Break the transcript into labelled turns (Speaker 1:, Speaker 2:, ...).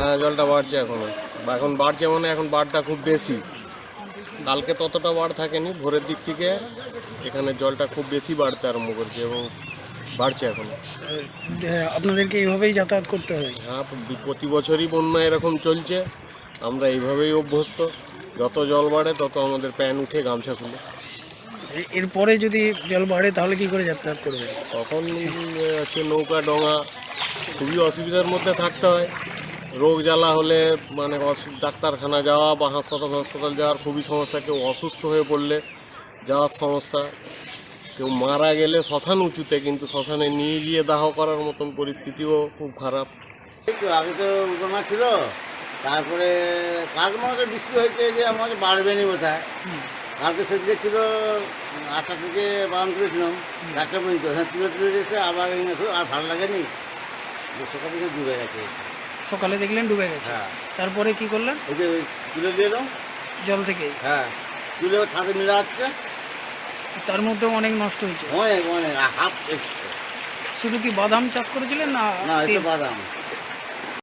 Speaker 1: হ্যাঁ, জলটা বাড়ছে এখনো, এখন বাড়ছে মানে এখন বাড়টা খুব বেশি। কালকে ততটা বাড় থাকেনি, ভোরের দিক থেকে এখানে জলটা খুব বেশি বাড়তে আরম্ভ করছে এবং বাড়ছে এখনো।
Speaker 2: আপনাদেরকে এইভাবেই যাতায়াত করতে হয়?
Speaker 1: হ্যাঁ, প্রতি বছরই বন্যা এরকম চলছে, আমরা এইভাবেই অভ্যস্ত। যত জল বাড়ে তত আমাদের প্যান্ট উঠে গামছা খুলে।
Speaker 2: এরপরে যদি জল বাড়ে তাহলে কি করে যাতায়াত করবেন?
Speaker 1: তখন হচ্ছে নৌকা ডঙা, খুবই অসুবিধার মধ্যে থাকতে হয়। রোগ জ্বালা হলে মানে ডাক্তারখানা যাওয়া বা হাসপাতাল যাওয়ার খুবই সমস্যা। কেউ অসুস্থ হয়ে পড়লে যাওয়ার সমস্যা, কেউ মারা গেলে শ্মশান উঁচুতে, কিন্তু শ্মশানে নিয়ে গিয়ে দাহ করার মতন পরিস্থিতিও খুব খারাপ।
Speaker 3: এই তো আগে তো উঠোনা ছিল, তারপরে কালকে মনে হচ্ছে বৃষ্টি হয়েছে যে আমার বাড়বে নি বোধহয়। কালকে সেদিকে ছিল 8টা থেকে বাগান করেছিলাম 4টা পর্যন্ত, হ্যাঁ তুলে এসে আবার আর ভালো লাগেনি, সকাল থেকে ডুবে গেছে।
Speaker 2: সকালে দেখলেন ডুবে গেছে,
Speaker 3: হ্যাঁ।
Speaker 2: তারপরে কি করলেন?
Speaker 3: ওই যে তুলে দিয়ে এলাম,
Speaker 2: জল থেকে?
Speaker 3: হ্যাঁ, তুলে ছাদে মিলে যাচ্ছে।
Speaker 2: তার মধ্যেও অনেক নষ্ট হয়েছে।
Speaker 3: অনেক অনেক হাফ এসছে।
Speaker 2: শুধু কি বাদাম চাষ করেছিলেন না?
Speaker 3: না, এই তো বাদাম।